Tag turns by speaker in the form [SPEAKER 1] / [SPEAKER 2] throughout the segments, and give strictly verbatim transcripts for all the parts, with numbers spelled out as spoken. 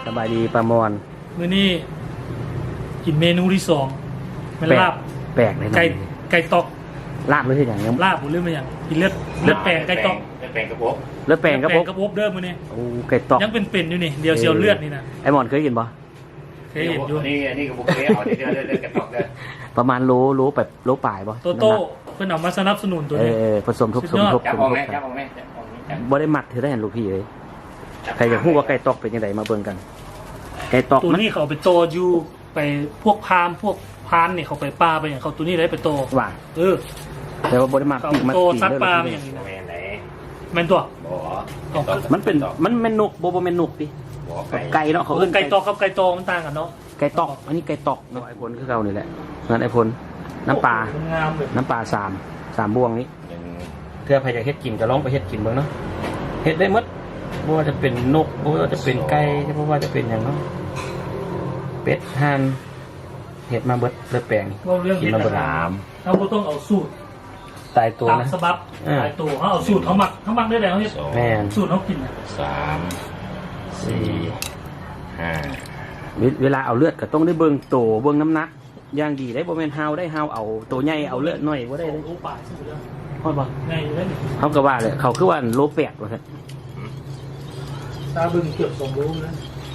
[SPEAKER 1] บายดีประมอน
[SPEAKER 2] มื้อนี้กินเมนูที่สองเป็นลาบ
[SPEAKER 1] แปลกเลย
[SPEAKER 2] ไก่ไก่ตอก
[SPEAKER 1] ลาบหรือที่อย่างยัง
[SPEAKER 2] ลาบหรือไม่อย่างกินเลือดเลือดแปลงไก่ตอก
[SPEAKER 3] เลือดแปลงกระพบ
[SPEAKER 1] เลือดแปลงกระพบ
[SPEAKER 2] กระพบเด้อมื้อนี้
[SPEAKER 1] โอ้ไก่ตอก
[SPEAKER 2] ยังเป็นๆอยู่นี่เดียวเชียวเลือดนี่นะ
[SPEAKER 1] ไอหมอนเคยกินปะ
[SPEAKER 2] เคยเห็นอยู่
[SPEAKER 3] นี่นี่กระพบเคยเอาเลือดเลือดเลือดกระตอกเด้อ
[SPEAKER 1] ประมาณโลโลแบบโลป่ายปะ
[SPEAKER 2] โตโต้เพิ่นเอามาสนับสนุนตัวนี้
[SPEAKER 1] เออผสมทุกสมทบ
[SPEAKER 3] จับออกแม่จับออกแม่
[SPEAKER 1] บ่ได้หมักเธอได้เห็นลูกพี่เลยใครอยากรู้ว่าไก่ตอกเป็นยังไงมาเบิ่งกันไก่ตอก
[SPEAKER 2] ตัวนี้เขาไปโตอยู่ไปพวกพามพวกพานนี่เขาไปปลาไปอย่างเขาตัวนี้ได้ไปโต
[SPEAKER 1] ว่า
[SPEAKER 2] เออ
[SPEAKER 1] แต่ว่าบ่ได้หมัก
[SPEAKER 2] มันโตซัดปลาไปอย่างนี้นะแม่นตัว
[SPEAKER 1] มันเป็นมันแม่นนกบ่บ่แม่นนกดิไก่เนาะเขาเอิ้น
[SPEAKER 2] ไก่ตอกกับไก่โตมันต่างกันเนาะ
[SPEAKER 1] ไก่ตอกอันนี้ไก่ตอกเนาะไอพลคือเก่านี่แหละนั่นไอพลน้ำปลาน้ำปลาสามสามบวงนี้เพื่อใครจะเฮ็ดกินก็ลองไปเฮ็ดกินเบิ่งเนาะเฮ็ดได้หมดบ่ว่าจะเป็นนกบ่ว่าจะเป็นไก่บ่ว่าจะเป็นอย่างเนาะเป็ดห่านเฮ็ดมาเบิดเลือดแปลงกินมาเบิดน้
[SPEAKER 2] ำเราต้องเอาสูตร
[SPEAKER 1] ตายตัวนะ
[SPEAKER 2] สบับตายตัวเขาเอาสูตรเขาหมักเขาหมักได้แล้วเฮ็ด
[SPEAKER 1] แม่น
[SPEAKER 2] สูตรเขากิน
[SPEAKER 3] สามสี่ห้า
[SPEAKER 1] เวลาเอาเลือดก็ต้องได้เบิ่งโตเบิ่งน้ำหนักอย่างดีได้บ่แม่นเฮาได้เฮาเอาตัวใหญ่เอาเลือดน้อยบ่ได้เลย
[SPEAKER 2] โอ้ป่าซื่อเด้อ
[SPEAKER 1] ฮอดบ่
[SPEAKER 2] ใหญ่เลย
[SPEAKER 1] เฮาก็ว่าเลยเขาคือว่าโลแปดว่าซั่น
[SPEAKER 2] ตาบึงเกือบสองโลนะ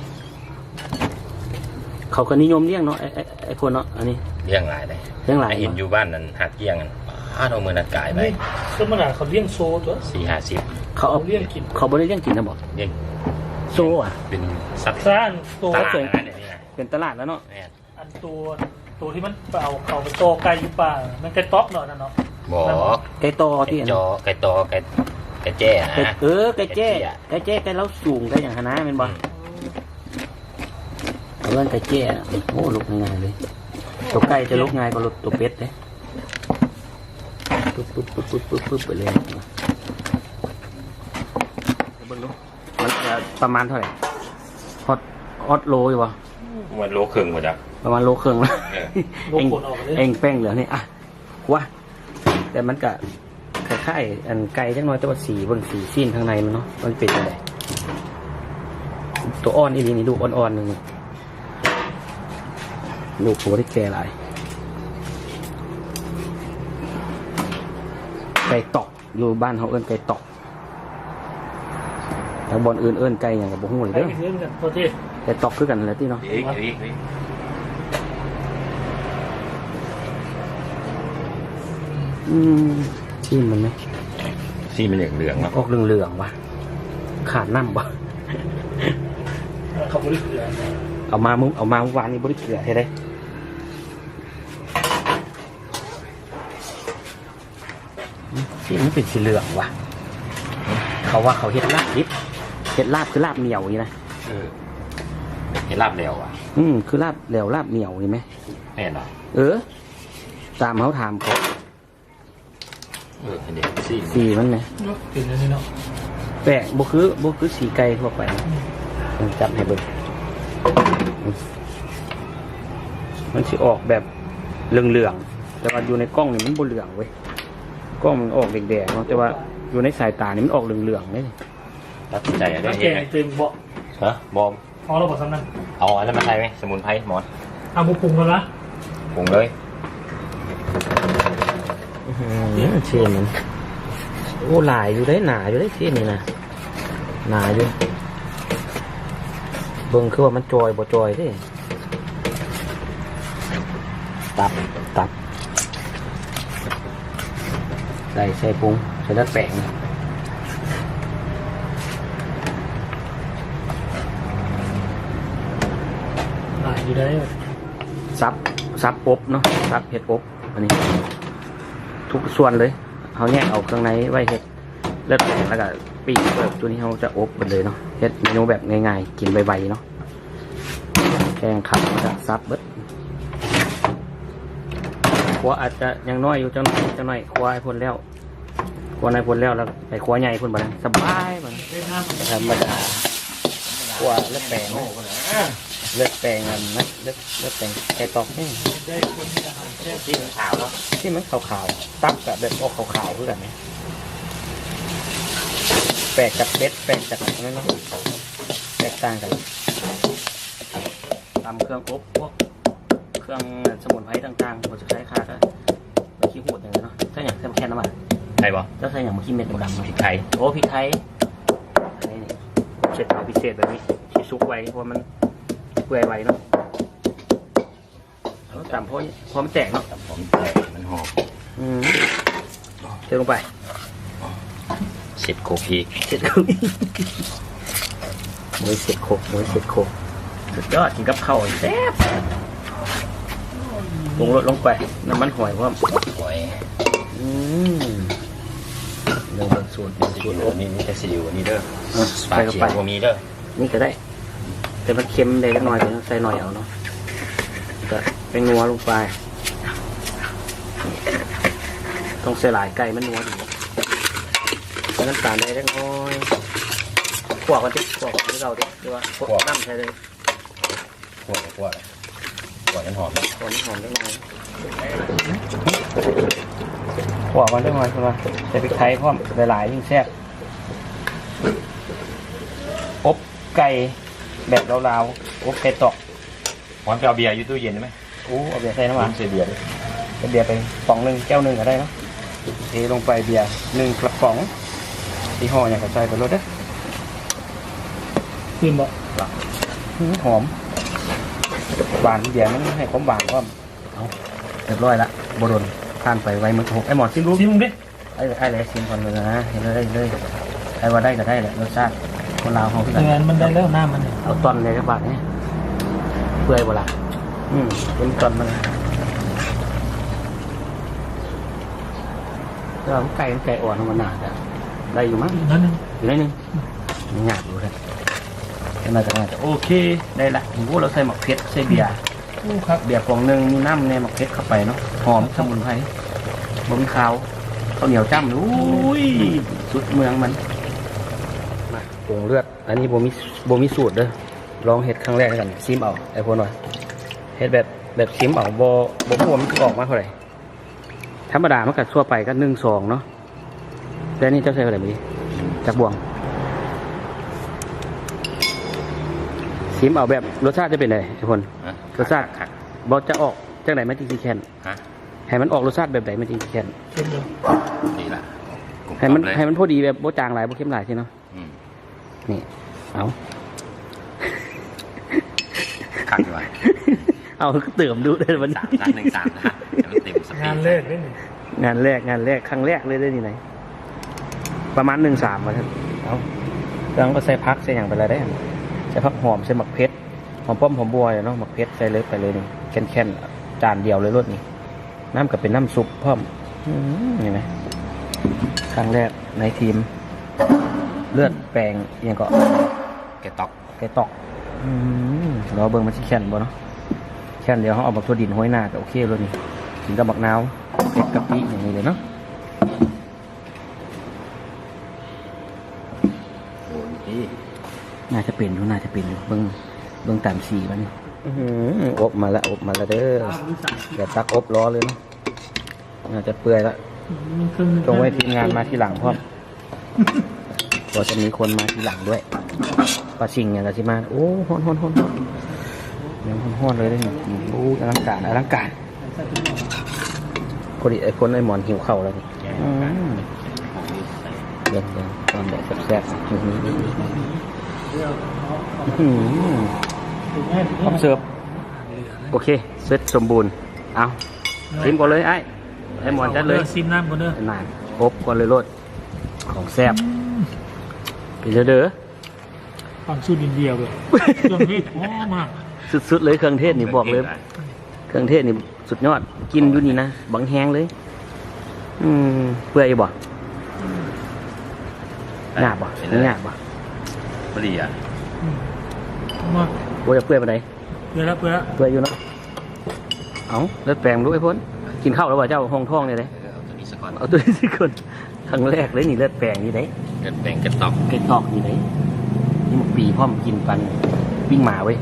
[SPEAKER 1] เขาก็นิยมเลี้ยงเนาะไอ้ไอ้พวกเนาะอันนี้
[SPEAKER 3] เลี้ยงหลายเลย
[SPEAKER 1] เลี้ยงหลาย
[SPEAKER 3] เห็นอยู่บ้านนั้นหักเลี้ยงกันอ้าเอามือนัดกายไป
[SPEAKER 2] ก็มันน่ะเขาเลี้ยงโซตัว
[SPEAKER 3] สี่ห้าสิบ
[SPEAKER 1] เขาเอา
[SPEAKER 2] เลี้ยงกิน
[SPEAKER 1] เขาบ่ได้เลี้ยงกินนะบ่
[SPEAKER 3] เลี้ยง
[SPEAKER 1] โซอ่ะ
[SPEAKER 3] เป็นสัตว์
[SPEAKER 2] ซ่านตัว
[SPEAKER 1] สวยเป็นตลาดแล้วเนาะ
[SPEAKER 2] อันตัวตัวที่มันเอาเขาไปโตไก่อยู่ป่ามันไก่ต๊อกเนาะนั่นเนาะ
[SPEAKER 3] บ่
[SPEAKER 1] ไก่โตที่
[SPEAKER 3] จอไก่โตไก่ไก่แจ้นะ
[SPEAKER 1] เออไก่แจ้ไก่แจ้ไก่เล้าสูงไก่อย่างหนาแม่นบ่เรื่องไก่แจ้โอ้ลุกง่ายเลยตัวไก่จะลุกง่ายกว่าตัวเป็ดเลยปุ๊บปุ๊บปุ๊บปุ๊บปุ๊บปุ๊บไปเลยเบิ่งดูมันจะประมาณเท่าไหร่ฮอตฮอตโลอยู่วะ
[SPEAKER 3] มันโลครึ่งหมดอ่ะ
[SPEAKER 1] ประมาณโลครึ่งแล้วเองเองแป้งเหลือนี่อ่ะว่าแต่มันก็คล้ายๆอันไก่จังน้อยแต่ว่าสีบนสีซีนข้างในมันเนาะมันเป็นอะไรตัวอ่อนอีลีนี่ดูอ่อนๆหนึ่งลูกโผล่ได้แก่หลายไก่ตอกอยู่บ้านเขาเอิ้นไก่ตอกแต่บอนอื่นเอิ้นไก่อย่างกับบุ้งเลยเด้อไก่ตอกคือกันอะไรที่เนาะอืมซีมันไหม
[SPEAKER 3] ซีมันเหลืองเหลือง
[SPEAKER 1] ออกเหลืองๆว่ะขาดน้ำว่ะ
[SPEAKER 2] เขาบริเกลือ
[SPEAKER 1] เอามามุ้งเอามาเมื่อวานนี้บริเกลือใช่ไหมซีมันเป็นสีเหลืองว่ะเขาว่าเขาเห็ดลาบดิบเห็ดลาบคือลาบเหนียวนี่นะ
[SPEAKER 3] เออเห็ดลาบเหลวอ่ะ
[SPEAKER 1] อืมคือลาบเหลวลาบเหนียวนี่ไหม
[SPEAKER 3] แน่นอน
[SPEAKER 1] เออตามเขาถามเขา
[SPEAKER 3] เออเด็กสี
[SPEAKER 1] สีมันไง
[SPEAKER 2] สีนี่เนาะ
[SPEAKER 1] แปะบุคือบุคือสีไก่ทั่วไปจับให้เบิ่งมันสิออกแบบเหลืองๆแต่ว่าอยู่ในกล้องนี่มันบ่เหลืองเว้ยกล้องมันออกแดงๆเนาะแต่ว่าอยู่ในสายตานี่มันออกเหลืองๆเลย
[SPEAKER 3] ตัดใจได้
[SPEAKER 2] เองเต็มบ่
[SPEAKER 3] ฮะบอม
[SPEAKER 2] เอาเราบอกสำนัก
[SPEAKER 3] เอาอันนั้นมาใช้ไหมสมุนไพรหมอน
[SPEAKER 2] เอาบุปผงกันละ
[SPEAKER 3] ปรุงเลย
[SPEAKER 1] เชื่อมันโอ้หลายอยู่ได้หนาอยู่ได้เชื่อนี่นะหนาอยู่เบิ่งคือว่ามันจอยบ่จอยดิตับตับใส่ใส่ปรุงใส่น้ำแป้ง
[SPEAKER 2] หลายอยู่ได้
[SPEAKER 1] ซับซับอบเนาะซับเห็ดอบอันนี้ทุกส่วนเลยเขาแยกเอาเครื่องในไว้เห็ดเลือดแป้งแล้วก็ปีกแบบตัวนี้เขาจะอบกันเลยเนาะเห็ดเมนูแบบง่ายๆกินไวๆเนาะแกงขับจะซับเบิดขัวอาจจะยังน้อยอยู่จังหน่อยจังหน่อยขัวไอ้พ่นแล้วขัวในพ่นแล้วแล้วไอ้ขัวใหญ่พ่นบ้างสบายบ้างธรรมดาขัวเลือดแป้งเลือดแป้งอันนะเลือดเลือดแป้งไก่ตอกนี่
[SPEAKER 3] ที่มันขาวเนาะ
[SPEAKER 1] ที่มันขาวๆตับกับแบบออกขาวๆคือกันไหมแปลกจากเบ็ดแปลกจากอะไรเนาะแตกต่างกันตำเครื่องอบพวกเครื่องสมุนไพรต่างๆเราจะใช้ค่าก็ไปขี้หูดอย่างเงี้ยเนาะถ้าอย่างแค่น้ำมัน
[SPEAKER 3] ไทยบ่
[SPEAKER 1] ถ้าใส่อย่างมาขี้เม็ดดำๆ
[SPEAKER 3] พริกไทย
[SPEAKER 1] โอ้พริกไทยอันนี้เสร็จพิเศษแบบนี้ที่ซุกไว้เพราะมันเปื่อยไว้เนาะแล้วตำเพราะเพราะมันแตกเนาะ
[SPEAKER 3] แต่ผมแต่มันหอม
[SPEAKER 1] อืมเทลงไป
[SPEAKER 3] เสร็จโคพีก
[SPEAKER 1] เสร็จแล้วหมูเสร็จโคกหมูเสร็จโคกสุดยอดกินกับข้าวแซ่บปรุงรสลงไปน้ำมันหอยเพราะ
[SPEAKER 3] หอย
[SPEAKER 1] อืมเรื่องเป็นสูตรเป็น
[SPEAKER 3] ซี
[SPEAKER 1] สูตร
[SPEAKER 3] อิ๊
[SPEAKER 1] โอ้
[SPEAKER 3] วนี่นี่แต่ซีอิ๊วอันนี้เด้อ
[SPEAKER 1] ใส่
[SPEAKER 3] ปลา
[SPEAKER 1] เข้า
[SPEAKER 3] เขีย
[SPEAKER 1] ไป
[SPEAKER 3] วก็มีเด้อ
[SPEAKER 1] นี่ก็ได้ แต่มันเค็มได้เล็กน้อยใส่หน่อยเอาเนาะก็เป็นนัวลงไปต้องใส่หลายไก่มันนัวดีใส่น้ำตาลได้เล็กน้อยขวบกันดิขวบกันที่เราดิหรือว่าขวบน้ำใส่เลย
[SPEAKER 3] ขวดขวดขวดนั้นหอมนะ
[SPEAKER 1] ขวบหอมเล็กน้อยขวบกันเล็กน้อยใช่ไหมใส่พริกไทยพร้อมหลายๆยิ่งแซ่บอบไก่แบบลาวๆอบไก่ตอก
[SPEAKER 3] หอมจะเอาเบียร์อยู่ตู้เย็นได้ไหม
[SPEAKER 1] โอ้เอาเบียร์ใส่น้ำหวาน
[SPEAKER 3] ใส่เบียร์ด้วย
[SPEAKER 1] เบียร์ไปป๋องหนึ่งแก้วหนึ่งก็ได้เนาะเทลงไปเบียร์หนึ่งกระป๋องที่ห่ออย่างกระจายไปรถเด้อ
[SPEAKER 2] ขึ้นบ่
[SPEAKER 1] อื้อหอมหวานเบียร์มันให้ความหวานก็เอาเรียบร้อยละบดนทานไปไว้มือหกไอ้หมอนซิมรู้
[SPEAKER 2] ชิมดิ
[SPEAKER 1] ไอ้ไอ้เลยซิมก่อนเลยนะเห็นเลยเลยไอ้ว่าได้ก็ได้แหละรสชาติคนลาวเขา
[SPEAKER 2] เงินมันได้แล้วหน้ามัน
[SPEAKER 1] เอาตอนเลยกระบาดนี่เปื่อยบ่ละอืมเป็นตอนมันเราไก่ไก่อ่อนมันหนาจะได้อยู่มั้ง
[SPEAKER 2] นั่นนึง
[SPEAKER 1] อยู่ได้นึงมันหยาบอยู่เลยน่าจะน่าจะโอเคได้ละผมว่าเราใส่หมักเพชรใส่เบียร์
[SPEAKER 2] ครับ
[SPEAKER 1] เบียร์กล่องหนึ่งมีน้ำในหมักเพชรเข้าไปเนาะหอมสมุนไพรบะหมี่ขาวข้าวเหนียวจ้ำอุ้ยสุดเมืองมันมาปรุงเลือดอันนี้โบมีโบมีสูตรเด้อลองเห็ดครั้งแรกกันซิมเอาไอ้พวกหน่อยเห็ดแบบแบบซิมเอาโบโบพวกมันออกมาเท่าไหร่ธรรมดามันกัดทั่วไปก็หนึ่งสองเนาะแต่นี่เจ้าใส่อะไรไม่ดีจากบวงซิมเอาแบบรสชาติจะเป็นไงทุกคนรสชาติบอจะออกจากไหนมันจริงๆแค่น
[SPEAKER 3] ฮะ
[SPEAKER 1] ให้มันออกรสชาติแบบไหนมันจริงๆแค่น
[SPEAKER 2] เค็มเลย
[SPEAKER 3] ดีละ
[SPEAKER 1] ให้มันให้มันพอดีแบบโบจางหลายโบเข้มหลายใช่เนาะ
[SPEAKER 3] อืม
[SPEAKER 1] นี่เอา
[SPEAKER 3] คักดีว่ะ
[SPEAKER 1] เอาเติมดูเลยวันนี้
[SPEAKER 3] สามล้านหนึ่งสามนะฮะเดี๋ยวมันเต็มสปีด
[SPEAKER 2] งานแรกได้หนึ่ง
[SPEAKER 1] งานแรกงานแรกครั้งแรกเลยได้นี่ไหนประมาณหนึ่งสามมาท่านเอาเครื่องก็ใส่พักใส่อย่างไปเลยได้ใส่พักหอมใส่หมักเพชรหอมป้อมหอมบัวเนาะหมักเพชรใส่เลยไปเลยนี่แค่นๆจานเดียวเลยรสนี่น้ำกับเป็นน้ำซุปเพิ่มเห็นไหมครั้งแรกในทีม เลือดแปลงยังก็
[SPEAKER 3] แกตอก
[SPEAKER 1] ไก่ตอกอืมเราเบิ่งมันชิแค่นบ่เนาะแค่นเดียวเขาเอาบักตัวดินห้อยหน้าก็โอเคเลยนี่กินกับบักนาวเผ็ดกะปิอย่างนี้เลยเนาะ
[SPEAKER 3] โอ้ยพี่
[SPEAKER 1] น่าจะเป็นอยู่น่าจะเป็นอยู่เบิ่งเบิ่งตามสีมันอื้อหืออบมาแล้วอบมาแล้วเด้ออย่าตักอบล้อเลยเนาะน่าจะเปื่อยละตรงไว้ทีมงานมาทีหลังพร้อมก็จะมีคนมาทีหลังด้วยปลาชิงอย่างไรที่มาโอ้ฮ้อนฮ้อนฮ้อนฮ้อนยังฮ้อนฮ้อนเลยได้หนึ่งโอ้อลังการอลังการพอดีไอ้คนไอ้หมอนหิวเข่าวแล้วนี่อืมเดี๋ยวเดี๋ยวตอนแบบแซ่บๆอื้อหืออื้อหือพร้อมเสิร์ฟโอเคเสร็จสมบูรณ์เอาชิมก่อนเลยไอ้ไอ้หมอนจัดเลย
[SPEAKER 2] ซิมน้ำก่อนเด้อน
[SPEAKER 1] านอบก่อนเลยรสของแซ่บไปเด้อเด้อ
[SPEAKER 2] ความสูตรอินเดียเลยเครื่องเทศหอมมาก
[SPEAKER 1] สุดๆเลยเครื่องเทศนี่บอกเลย เครื่องเทศนี่สุดยอดกินอยู่นี่นะบังแห้งเลย อืมเปื่อยบ่หยาบบ่หยาบบ่
[SPEAKER 3] พอดีอ่ะ
[SPEAKER 2] อืมมาก
[SPEAKER 1] โอ้ยเปื่อยปานใด
[SPEAKER 2] เปื่อยแล้วเปื่อยแล้ว
[SPEAKER 1] เปื่อยอยู่เนาะเอาเลือดแปลงดูไอ้พ้นกินข้าวแล้วว่าเจ้าห้องท้องเนี่ยเลย
[SPEAKER 3] เออเอาตัวนี้สักก่อน
[SPEAKER 1] เอาตัวนี้สิคนครั้งแรกเลยนี่เลือดแปลงนี่เด้
[SPEAKER 3] เกิดแบ่งแกตอก
[SPEAKER 1] ไก่ตอกนี่เด้นี่หมกปีพร้อมกินปันปิ้งหมาเว้ย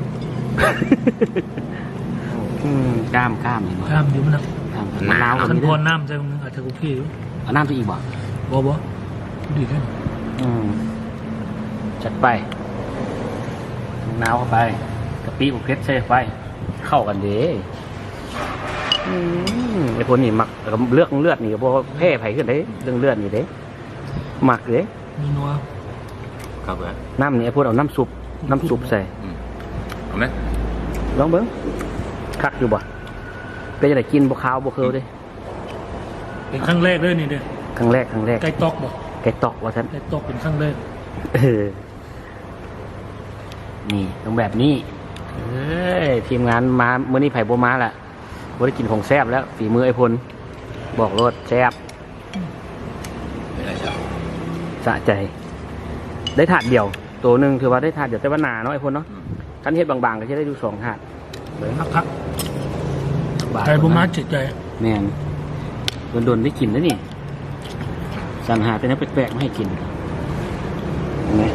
[SPEAKER 1] อืมกล้ามกล้ามเห็นบ่
[SPEAKER 2] ข้ามอยู่มันนะ
[SPEAKER 1] กล้ามมะนาว
[SPEAKER 2] ขัน
[SPEAKER 1] นี่
[SPEAKER 2] พ
[SPEAKER 1] เด้
[SPEAKER 2] รน้ำใจมึงอาจจะกูพี่อยู่
[SPEAKER 1] เอาน้ำไปอีกบ่
[SPEAKER 2] บ่บ่ดีขึ้น
[SPEAKER 1] อืมจัดไปมะนาวเข้าไปกะปิปิบุกเพชรใส่ไปเข้ากันเด้อืมไอ้พวกนี้มักเลือกเลือดนี่เพราะแพ้ไผ่ขึ้นเด้เรื่องเลือดนี่เด้มักเด้
[SPEAKER 2] มีนัว
[SPEAKER 3] ครับเลย
[SPEAKER 1] น้ำนี่ไอ้พวกเอาน้ำซุปน้ำซุปใส่
[SPEAKER 3] เอาไหม
[SPEAKER 1] ลองเบิ้งคักอยู่บ่เป็นจะได้กินบ่ขาวบ่เคิลเด้
[SPEAKER 2] เป็นครั้งแรกเลยนี่เด้อ
[SPEAKER 1] ครั้งแรกครั้งแรก
[SPEAKER 2] ไก่ตอกบ่
[SPEAKER 1] ไก่ตอกว่าท่าน
[SPEAKER 2] ไก่ตอกเป็นครั้งแรก
[SPEAKER 1] เออนี่ต้องแบบนี้เอ้ยทีมงานมาเมื่อนี้ไผ่บัวมาแหละบ่ได้กินของแซ่บแล้วฝีมือไอ้พลบอกรสแซ่บ
[SPEAKER 3] ไม่ได้จ้ะ
[SPEAKER 1] สะใจ ได้ถาดเดียว ตัวหนึ่งถือว่าได้ถาดเดียวแต่ว่าหนาเนาะไอ้พลเนาะคันเฮ็ดบางๆก็จะได้ดูสองถาด
[SPEAKER 2] พักพักไก่บุมาจิตใจ
[SPEAKER 1] แม่นโดนๆได้กินแล้วนี่สรรหาแต่น้ำแปลกๆมาให้กินเห็นไหม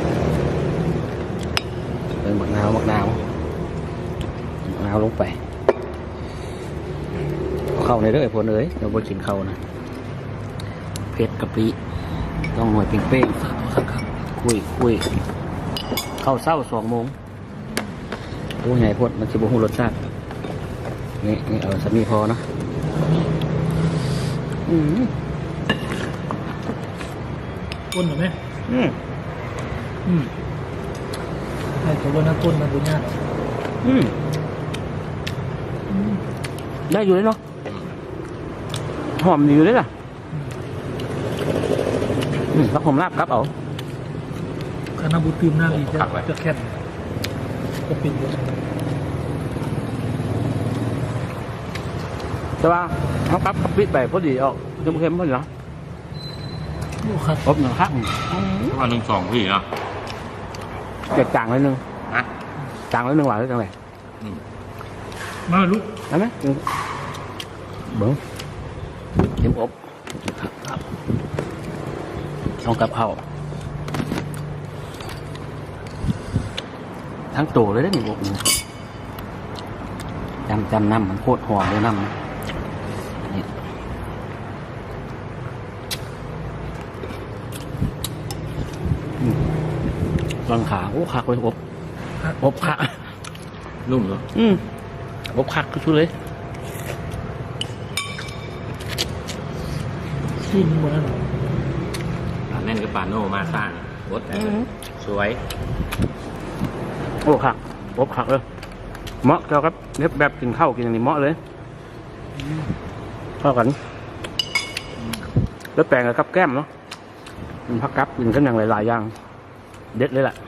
[SPEAKER 1] เติมมะนาวมะนาวมะนาวลงไปเอาเข้าในเด้อไอ้พลเอ้ยเราบ่กินเข้านะเผ็ดกะปิต้องหน่วยเป้ง
[SPEAKER 2] สามครับครับ
[SPEAKER 1] ๆคุยคุยเข้าเศร้าสองโมงโอ้ยไงพดมันจะบ่ฮู้รสชาตินี่นี่เอาสามีพอเนาะอืม
[SPEAKER 2] ก้นเหรอไหม
[SPEAKER 1] อืม
[SPEAKER 2] อืมไอ้ตัวนั้นก้นมันบุญญา
[SPEAKER 1] อืมได้อยู่เลยเนาะหอมอยู่เลยล่ะอืมแล้วผมลาบครับเอา
[SPEAKER 2] คณะบุตรตื่มหน้าดีจะจะแค่นจะเป็น
[SPEAKER 1] แต่ว่าเขาครับกับปิดไปพอดีออกเค็มๆพอดีเนาะ
[SPEAKER 2] โอ้ครับ
[SPEAKER 1] อบหนึ่งข้าง
[SPEAKER 3] ว่าหนึ่งสองพี่เนาะ
[SPEAKER 1] เจ็ดจางเลยหนึ่ง
[SPEAKER 3] นะ
[SPEAKER 1] จางเลยหนึ่งหวานเลยจังเลย
[SPEAKER 2] มาลูก
[SPEAKER 1] ได้ไหมเบิ้งเค็มอบครับต้องกับเขาทั้งตัวเลยได้หนึ่งอบนี่จำจำน้ำมันโคตรหอมเลยน้ำนะนี่อืมตอนขาโอ้คักเลยอบอบคัก
[SPEAKER 3] นุ่มเหรอ
[SPEAKER 1] อืมอบคักชุดเลย
[SPEAKER 2] ชิ้นหมดแล้ว
[SPEAKER 3] ปลาแน่นกับปลาโน่มาสร้างรสสวย
[SPEAKER 1] โอ้คักอบคักเลยเหมาะเกี่ยวกับเล็บแบบกินข้าวกินอย่างนี้เหมาะเลยเข้ากันแล้วแปลงกับกับแก้มเนาะมันพักกับกินกันอย่างหลายๆอย่างเด็ดเลยล่ะ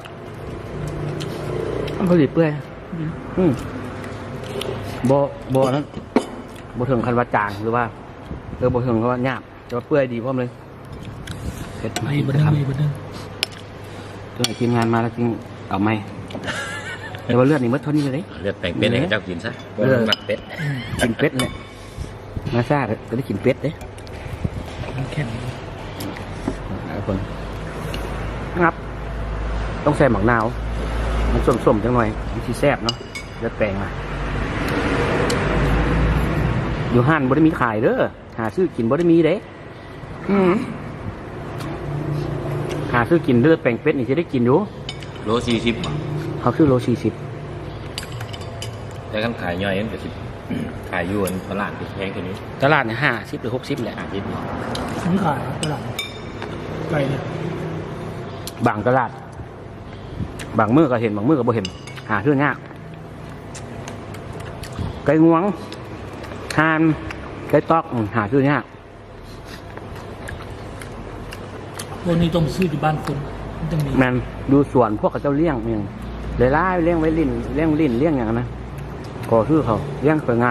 [SPEAKER 1] มันพอดีเปื่อยอืมโบโบนั้นโบถึงคันว่าจางหรือว่าเออโบถึงคันว่าหยาบแต่ว่าเปื่อยดีพร้อมเลยเผ็ดไหม
[SPEAKER 2] มีบันนึงมีบันนึง
[SPEAKER 1] ตัวไหนทีมงานมาแล้วจริงเอาไหมแต่ว่าเลือดนี่มัดเท่านี้เลย
[SPEAKER 3] เลือดแปลงเป็ดให้เจ้ากินซะหมักเป็ด
[SPEAKER 1] กินเป็ดเนี่ยมาซ่าก็ได้กินเป็ดเด้
[SPEAKER 2] มันแข็ง
[SPEAKER 1] หลายคนงับ ต้องใส่หมักนาว มันส้มๆจังหน่อยมันชีแซ่บเนาะเลือดแปลงมาอยู่ห้านบ่ได้มีขายเด้อหาซื้อกินบ่ได้มีเด้อืมหาซื้อกินเลือดแปลงเป็ดนี่จะได้กินอยู่
[SPEAKER 3] โลสี่สิบ
[SPEAKER 1] เขาซื้อโลสี่สิบ
[SPEAKER 3] แต่กันขายย่อยนั่นก็สิบขายยวนตลาดติดแพงแค่นี้
[SPEAKER 1] ตลาดเนี่ยห้าสิบหรือหกสิบแหละ
[SPEAKER 3] อาทิตย์
[SPEAKER 2] ชิ้นขายตลาดไก่เนี่ย
[SPEAKER 1] บางตลาด บางมือก็เห็นบางมือก็บ่เห็น หาซื้อยากไก่งวงทานไก่ตอกอืมหาซื้อยาก
[SPEAKER 2] พวกนี้ต้องซื้อที่บ้านคนมันจะมี
[SPEAKER 1] แมนดูสวนพวกเขาเจ้าเลี้ยงเองเลยล่าเลี้ยงไว้ลิ้นเลี้ยงลิ้นเลี้ยงอย่างนั้นนะขอซื้อเขาเลี้ยงสวยงาม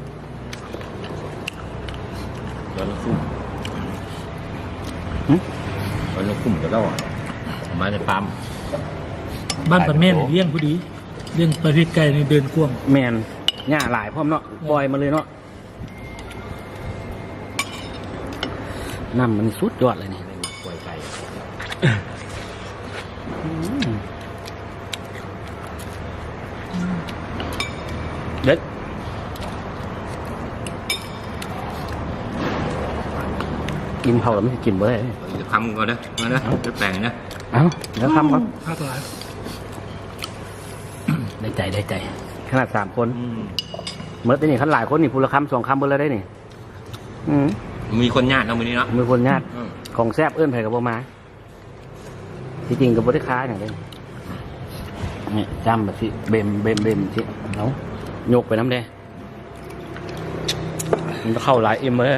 [SPEAKER 3] ตอนละคุ้ม
[SPEAKER 1] หึ
[SPEAKER 3] ตอนละคุ้มก็แล้วมาในฟาร์ม
[SPEAKER 2] บ้านปันแม่นเลี้ยงพอดีเลี้ยงประเภทไก่ในเดินกว้าง
[SPEAKER 1] แมนหญ้าหลายพร้อมเนาะปล่อยมาเลยเนาะน้ำมันสุดยอดเลยนี่
[SPEAKER 3] ไม่มีกล้วยไก่
[SPEAKER 1] เด็ดกินเผาแล้วไม่กินบ่ได้
[SPEAKER 3] จะทำก่อนนะมานะจะแปลงนะ
[SPEAKER 1] เอ้าเดี๋ยวทำก่อน
[SPEAKER 2] ภาคหลาย
[SPEAKER 1] ใน
[SPEAKER 2] ใจได้ใจ
[SPEAKER 1] ขนาดสามคนเมื่อแต่นี่ขันหลายคนนี่พูละคำสองคำเบนแล้วได้นี่อืม
[SPEAKER 3] มีคนญาติเนาะมื้อนี้เนาะ
[SPEAKER 1] มีคนญาติ
[SPEAKER 3] อืม
[SPEAKER 1] ของแซ่บเอื้อนไผ่กับบ่มาที่จริงกับบริค้าอย่างนี้นี่จำแบบสิเบมเบมเบมสิเอายกไปน้ำแดงมันเข้าหลายเอ็มเลย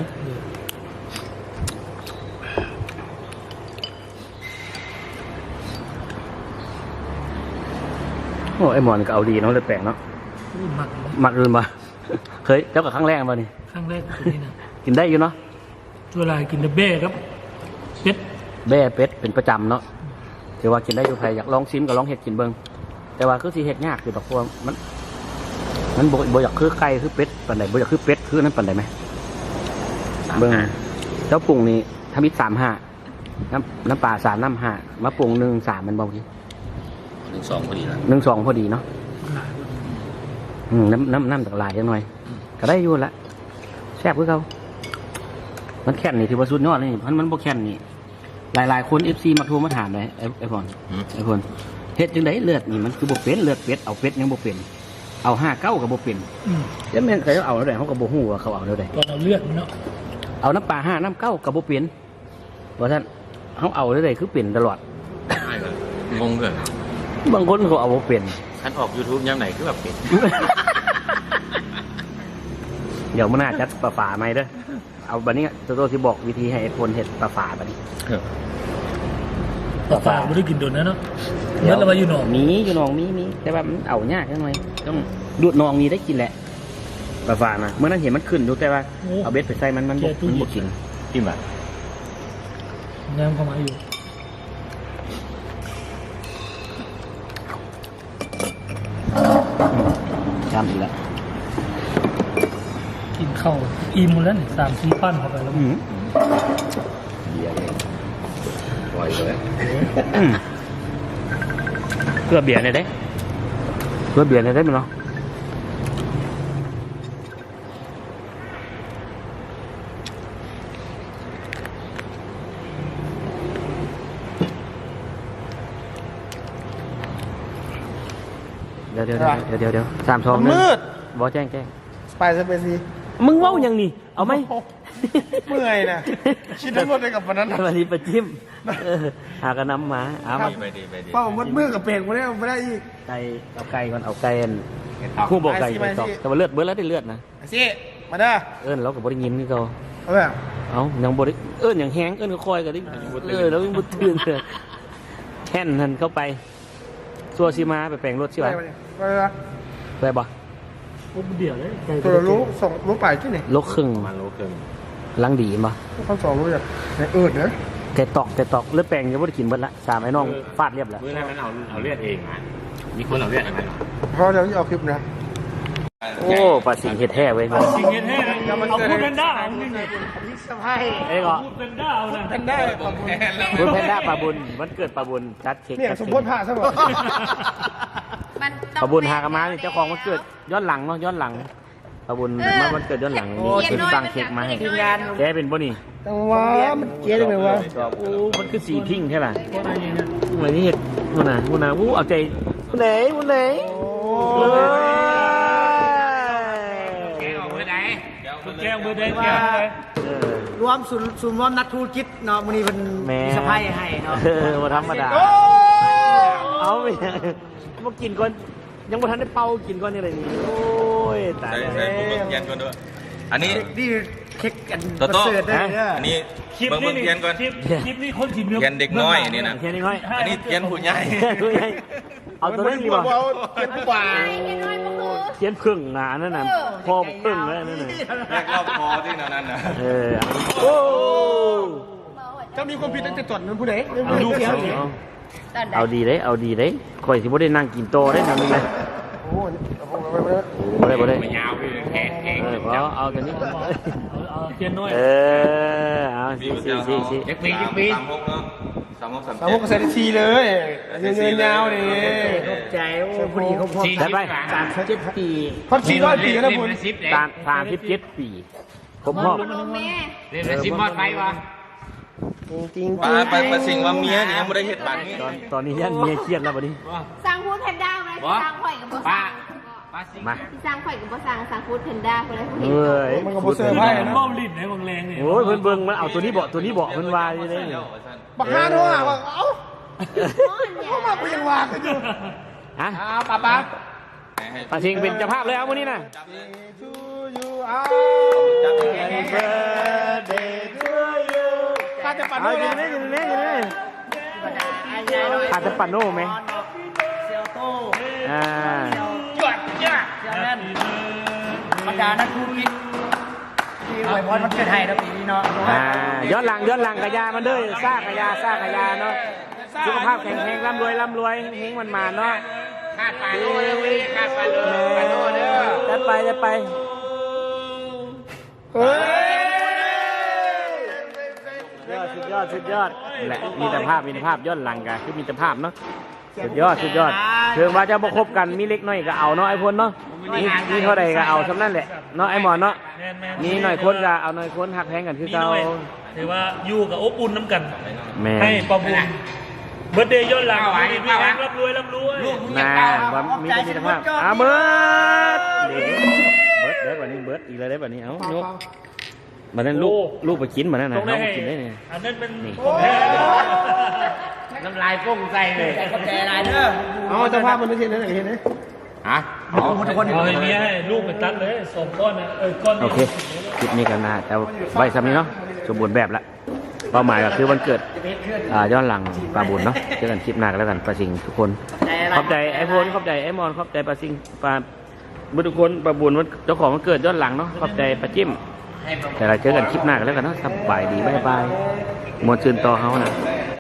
[SPEAKER 1] โอ้ไอหมอนก็เอาดีเนาะเลยแปลกเนาะ
[SPEAKER 2] อู้หมักเลย
[SPEAKER 1] มักอื่นมา เคยเจ้ากับครั้งแรกมานี่
[SPEAKER 2] ครั้งแรกคือนี่นะ
[SPEAKER 1] กินได้อยู่เนาะ
[SPEAKER 2] เวลากินเดบเบ้ครับเป็ด
[SPEAKER 1] แบ่เป็ดเป็นประจำเนาะแต่ว่ากินได้อยู่ใครอยากลองซิมก็ลองเห็ดกินเบิ้งแต่ว่าคือสีเห็ดยากคือแบบพวกมันมันบ่บ่อยากคือไก่คือเป็ดปันใดบ่อยากคือเป็ดคือนั้นปันใดไหมเบิ้งแล้วปรุงนี่ทำมิตรสามห้าน้ำน้ำปลาสามน้ำห้ามาปรุงหนึ่งสามมันเบาที
[SPEAKER 3] หนึ่งสองพอดีแล้ว
[SPEAKER 1] หนึ่งสองพอดีเนาะ
[SPEAKER 2] หลายคน
[SPEAKER 1] อืมน้ำน้ำน้ำจากลายจังหน่อย ก็ได้อยู่ละแซ่บคือเขามันแค่นนี่ถือว่าสุดยอดเลยมันมันบ่แค่นนี่หลายๆคนเอฟซีมาโทรมาถามเลยไอ้ไอ้พอนไอ้พอนเฮ็ดจังไดเลือดนี่มันคือบ่เป็นเลือดเป็ดเอาเป็ดยังบ่เป็นเอาห้าเก้ากับบ่เป็น
[SPEAKER 2] อืม
[SPEAKER 1] แล้วแม่นเขาเอาแล้วได้เขาก็บ่ฮู้ว่าเขาเอาแล้วได้
[SPEAKER 2] ตอนเราเลือดมันเนาะ
[SPEAKER 1] เอาน้ำปลาห้าน้ำเก้ากับบ่เป็นเพราะฉะนั้นเขาเอาแล้วได้คือเป็นตลอด
[SPEAKER 3] ใช่เลยงงเลย
[SPEAKER 1] บางคนเขาเอาบ่เป็น
[SPEAKER 3] ท่านออก YouTube ย่ำไหนคือแบบเป็ด
[SPEAKER 1] เดี๋ยวมื้อหน้าจัดปลาฝาใหม่เด้อเอาบัดนี้โตโต้สิบอกวิธีให้ไอ้พลเฮ็ดปลาฝาบัดนี้
[SPEAKER 2] ปลาฝาไม่ได้กินโดนนะเนาะเนื้อเรามาอยู่หนอง
[SPEAKER 1] มีอยู่หนองมีมีแต่ว่ามันเอายากจังหน่อยต้องดูดหนองนี้ได้กินแหละปลาฝานะเมื่อนั้นเห็นมันขึ้นอยู่แต่ว่าเอาเบ็ดไปใส่มันมันบ่มันบ่กิน
[SPEAKER 3] จิ้มแบบ
[SPEAKER 2] น้ำเข้ามาอยู่
[SPEAKER 1] จำอีกแล้ว
[SPEAKER 2] กินข้าวอิ่มหมดแล้วนี่สามสี่ปั้นเข้าไปแล้ว
[SPEAKER 1] อืม
[SPEAKER 3] เบียร์เลยปล่อยเลย
[SPEAKER 1] อืมเกลือเบียร์เนี่ยได้เกลือเบียร์เนี่ยได้มั้ยเนาะเดี๋ยวเดี๋ยวเดี๋ยวเดี๋ยวเดี๋ยวสามสองหนึ่ง
[SPEAKER 4] มืด
[SPEAKER 1] บอแจ้งแจ้ง
[SPEAKER 4] ไปซะไปสิ
[SPEAKER 1] มึงเว้ายังนี่ เอาไหม
[SPEAKER 4] เมื่อยนะคิดทั้งหมดเลยกับวันนั้นนะ
[SPEAKER 1] วันนี้ประจิ้มเออหากันน้ำหมาเอามา
[SPEAKER 3] ไปดีไปดี
[SPEAKER 4] เป้ามัดมือกับเปลกมาได้ไม่ได้อีก
[SPEAKER 1] ไก่เอาไก่ก่อนเอาไก่อันคู่บอกไก่ไปตอกแต่ว่าเลือดเบิดแล้วได้เลือดนะ
[SPEAKER 4] ไอ้สิมาเด้อ
[SPEAKER 1] เอิ้นเรากับบริยินนี่เขา
[SPEAKER 4] เอาแบบ
[SPEAKER 1] เอายังบริเอิ้นอย่างแห้งเอิ้นก็คอยกันดิเออแล้วยังบุตื่นเลยแค่นหันเข้าไปซัวซีมาไปแปลงรถใช่ไหม
[SPEAKER 4] ไปเนี่ยไปเลยนะ
[SPEAKER 1] ไปบ่
[SPEAKER 2] ปุ๊บเดียวเลยไก่
[SPEAKER 4] ตัวละรู้ส่งรู้ไปที่ไหน
[SPEAKER 1] ลกครึ่ง
[SPEAKER 3] ประมาณโลครึ่ง
[SPEAKER 1] ลังดีบ่
[SPEAKER 4] เขาสองรู้อย่างในเอิดเนอะ
[SPEAKER 1] ไก่ตอกไก่ตอกเลือดแปลงยังไม่ได้กินเบิดละสามไอ้น้องฟาดเรียบแล้ว
[SPEAKER 3] เมื่อนั้นมันเอาเอาเลือดเองนะมีคนเอาเลือดอันนั้นเหรอ
[SPEAKER 4] เพราะเดี๋ยวจะเอาคลิปนะ
[SPEAKER 1] โอ้ปลาสิงเห็ดแท้เว้ย
[SPEAKER 2] จริงเงี้ยแท้เอาพูดเป็นด้าเอาจริง
[SPEAKER 4] สบาย
[SPEAKER 1] เอ้ยก็
[SPEAKER 2] พูดเป็นด้าเอานะ
[SPEAKER 4] กันได้ขอบคุณ
[SPEAKER 1] บุญแพนด้าปลาบุญวันเกิดปลาบุญจัดเค้ก
[SPEAKER 4] เนี่ย
[SPEAKER 1] จัด
[SPEAKER 4] สม
[SPEAKER 1] เค้
[SPEAKER 4] บูร
[SPEAKER 1] ก
[SPEAKER 4] ณ์ผ่าซะหมด
[SPEAKER 5] มันต้อง
[SPEAKER 1] ปลาบุญหากนมานี่เจ้าของวันเกิดย้อนหลังเนาะย้อนหลังปลาบุญมาวันเกิดย้อนหลังนี่คือสั่งเค้กมาให้แกเป็นบ่นี่
[SPEAKER 4] แต่ว่ามันเจ๊ได้ไหมวะ
[SPEAKER 1] โอ้มันคือสีพิงค์ใช่ป่ะเหมือนนี่เห็ดมันน่ะมันน่ะวู้เอาใจมันไหนมันไหนเออ
[SPEAKER 2] แก้วเบอร์ใดแก้วเบอร์ใดแก้วเบอร์ใด
[SPEAKER 1] เออ
[SPEAKER 6] รวมศูนย์ศูนย์รวมนักธุรกิจเนาะมื้อนี้เพิ่น
[SPEAKER 1] แม่
[SPEAKER 6] มีสะพายให้เนาะ
[SPEAKER 1] เออมาธรรมดาเอาไปมากินก่อนยังบ่ทันได้เป่ากินก่อนนี่เลยนี่โอ้ยตาย
[SPEAKER 3] ใช่
[SPEAKER 1] แล้ว
[SPEAKER 3] ใช่ผมเบิ่งเทียนก่อนด้วยอันนี้
[SPEAKER 6] นี่เค้กกัน
[SPEAKER 3] โตโต้
[SPEAKER 6] ประเสริฐได้เด้อ
[SPEAKER 3] อันนี้
[SPEAKER 2] คลิป
[SPEAKER 3] เบิ่ง
[SPEAKER 2] นี้
[SPEAKER 3] เบิ่งเทียนก่อน
[SPEAKER 2] คลิปคลิปนี้คนถิ่น
[SPEAKER 3] เทียนเด็กน้อยนี่นะ
[SPEAKER 1] เทียนน้อย
[SPEAKER 3] อันนี้เทียนผู้ใหญ่
[SPEAKER 1] เฮ้ยเอาตัวนี้ดีกว่า
[SPEAKER 4] เอาเทียนผู้บ่าว
[SPEAKER 1] เทียนพึ่งหนานั่นน่ะพ่อพึ่งเลยนั่นน่ะ
[SPEAKER 3] แรกรอบคอที่นั่นน่ะ
[SPEAKER 1] เออโอ้
[SPEAKER 4] เจ้ามีความผิดตั้งแต่ตอนนั้นผู้ใด
[SPEAKER 1] เอา
[SPEAKER 4] ดู
[SPEAKER 1] เอา
[SPEAKER 4] เสีย
[SPEAKER 1] เอาเอาดีเลยเอาดีเลยคอยสิบ่ได้นั่งกินโตได้ทำยังไง
[SPEAKER 4] โอ้โหเอาไปไปไป
[SPEAKER 1] บ่ได้บ่ได้
[SPEAKER 3] ยาวเลยแข็งแข็ง
[SPEAKER 1] เออเอาเอาตัวนี้
[SPEAKER 2] เอาเทียนน้อย
[SPEAKER 1] เออเอาสิสิสิสิ
[SPEAKER 3] เด็กปีเด็กปีสามหกเนาะสามหกสาม
[SPEAKER 4] สาม
[SPEAKER 3] เจ็
[SPEAKER 4] พว
[SPEAKER 3] ด
[SPEAKER 4] กเซนทีเลยเงินเงินยาวดิ
[SPEAKER 6] ขอบใจโอ้พอดีเขาพอ
[SPEAKER 1] ได้ไป
[SPEAKER 6] สามสิบปี
[SPEAKER 4] พันสี่ร้อยปีนะคุณ
[SPEAKER 1] ตามสามสิบเจ็ดปีครบรอบ
[SPEAKER 5] แม่
[SPEAKER 3] เล่นสิบมอดไปวะ
[SPEAKER 4] จริง
[SPEAKER 3] ไปไปไปสิ่งว่าเมียนี่ยังไม่ได้เห็ดบัตรนี่
[SPEAKER 1] ตอนตอนนี้ยันเมียเครียดแล้วบัดนี้
[SPEAKER 5] สั่งพูดแพนด้ามา
[SPEAKER 3] บอ
[SPEAKER 5] สร้างข่อยกับบ่ส
[SPEAKER 3] ป้า
[SPEAKER 5] ร้าง
[SPEAKER 3] ป้าสิ
[SPEAKER 1] มา
[SPEAKER 5] ที่สร้างข่อยกับบ่สร้างสร้างฟูดเพนด้าคนละผู้เห็น
[SPEAKER 1] เอ้ย
[SPEAKER 4] มันก็บ่เซอร์ไพรส์นะ
[SPEAKER 2] บ้าลิ้นในบางแรงเนี่ย
[SPEAKER 1] โอ้ยเพิ่นเบิ่งมันเอาตัวนี้เบาะตัวนี้เบาะเพิ่นว่าอยู่เลยนี่
[SPEAKER 4] บักฮาโน่อะว่าเอ้า
[SPEAKER 5] ก้อนเนี่ย
[SPEAKER 4] เขามาเปลี่ยนวางกันอยู่
[SPEAKER 1] ฮะ
[SPEAKER 4] อ้าวป้าป้า
[SPEAKER 1] ปาชิงเป็นเจ้าภาพเลยเอามื้อนี้น่ะ
[SPEAKER 4] to you อ้าว
[SPEAKER 1] Happy birthday to you
[SPEAKER 4] ข้าจะปั่น
[SPEAKER 1] เอา
[SPEAKER 4] ด้วย
[SPEAKER 1] อยู่
[SPEAKER 4] นะ
[SPEAKER 1] นี่อยู่นี่อยู่นี่ขาดจะปั่นโน่ไหม
[SPEAKER 6] เซลโต้
[SPEAKER 1] อ่า
[SPEAKER 6] เซลนั่นบรรดานักธุรกิจที่อวยพรวันเกิดให้นะปีนี้เนาะ
[SPEAKER 1] อ่าย้อนหลังย้อนหลังกะยามันเด้อซากกะยาซากกะยาเนาะสุขภาพแข็งแรงร่ำรวยร่ำรวยเฮงมันมาเนาะ
[SPEAKER 3] ขาดปลาโน่เลยขาดปลาโน่ปลาโน่เด้อ
[SPEAKER 1] จัดไปจัดไป
[SPEAKER 4] เฮ้ย
[SPEAKER 1] สุดยอดสุดยอดสุดยอดแหละมีแต่ภาพมีแต่ภาพย้อนหลังกันคือมีแต่ภาพเนาะสุดยอดสุดยอดเชิงว่าจะบ่คบกันมีเล็กน้อยก็เอาเนาะไอ้พลเนาะมีมีเท่าใดก็เอาสำนั่นแหละเนาะไอ้หมอนเนาะ
[SPEAKER 2] แม่นแม่น
[SPEAKER 1] มีหน่อยคนก็เอาหน่อยคนหักแพงกันคือ
[SPEAKER 2] มี
[SPEAKER 1] เก่า
[SPEAKER 2] หน่อยถือว่าอยู่กับอบอุ่นน้ำกัน
[SPEAKER 1] แม่
[SPEAKER 2] ให้ประบุญเบิร์ดเดย์ย้อนหลังมีพี่แรงร่ำรวยร่ำรวย
[SPEAKER 1] น่าว่ามีแต่มีแต่ภาพอ่ะเบิร์ดเดี๋ยวเบิร์ดเด้อวันนี้เบิร์ดอีกเลยได้อวันนี้เอ้ายกมันนั่นลูกลูกไปกินมันนั่นนะ
[SPEAKER 2] ต้องได้
[SPEAKER 1] น้อง
[SPEAKER 2] ให้
[SPEAKER 1] ไปกินได้เนี่ย
[SPEAKER 2] อันนั้นเป็น
[SPEAKER 1] นี่
[SPEAKER 2] ของแท้
[SPEAKER 3] น้ำลายฟุ้งใส่เลย
[SPEAKER 6] ขอบใจหลายเด้อ
[SPEAKER 4] เอาเจ้าภาพมันไม่ใช่นั่นอย่างเห็นไหม
[SPEAKER 3] ฮะ
[SPEAKER 6] เอาทุกคน
[SPEAKER 2] เอาให้เมียให้ลูกไปตัดเลยสองก้อนนะเออก้อน
[SPEAKER 1] โอเคคลิปนี้กันนะแต่ไว้ซ้ำนี้เนาะสมบูรณ์แบบละเป้าหมายก็คือวันเกิดอ่าย้อนหลังปลาบุญเนาะเจอกันคลิปหน้ากันแล้วกันปลาสิงทุกคนขอบใจไอ้พลขอบใจไอ้มอนขอบใจปลาสิงปลาบุญทุกคนปลาบุญวันเจ้าของวันเกิดย้อนหลังเนาะขอบใจปลาจิ้มแต่เราเจอกันคลิปหน้ากันแล้วกันเนาะสบายดีบ๊ายบายมวนชื่นต่อเขานะ
[SPEAKER 4] เ